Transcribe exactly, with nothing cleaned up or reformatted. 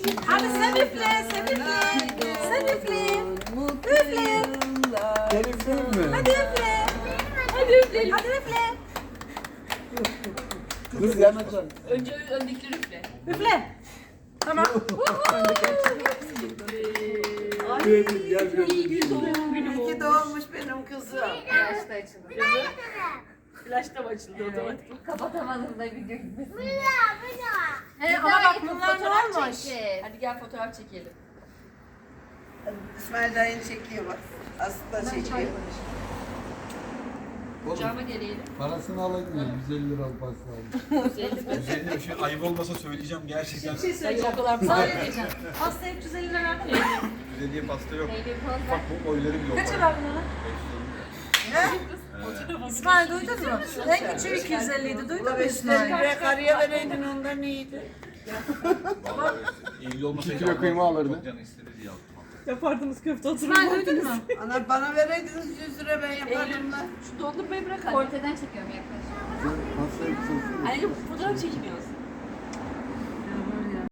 Hadi sen üfle, sen üfle. Sen üfle. Üfle. Ben üfleyeyim mi? Hadi üfle. Hadi üfleyelim. Hadi üfle. Kız yanacak. Önce öndekileri üfle. Üfle. Tamam. Gel gel. İyi gün doğum günü bu. İyi ki doğmuş benim kızım. Flaşta açıldı. Flaşta mı açıldı otomatik? Kapatamadım da video gitmesin. He, ama bak bunlar ne Fotoğraf olmuş? çekin. Hadi gel fotoğraf çekelim. İsmail dayın çekiyor bak. Aslı da çekiyor. Kucağıma gelelim. Parasını alayım ya. yüz elli lira pasta aldım. Üzerinde bir şey ayıp olmasa söyleyeceğim gerçekten. Bir şey Sen söyleyeceğim. o kadar Sana mı? ne diyeceğim? Pastaya üç yüz elli lira verdin mi? yüz elliye pasta yok. Neydi bu? Bak bu boyları bile yok. Kaça verdin ona? İsmail duydun mu? En küçüğü iki yüz elli idi. Duydun Ula mu beş İsmail? liraya karıya vereydin ondan iyiydi. Vallahi elli olmasaydı İki kilo almam. kıyma alırdı. Çok canı istedi diye aldım. Yapardınız köfte İsmail duydun mu? Ana bana vereydiniz yüz lira ben yapardım lan. Şu dondurmayı bırak anne. Ortadan çekiyorum yaklaşık. Pastayı kısaltın. Anneciğim fotoğraf çekiniyoruz.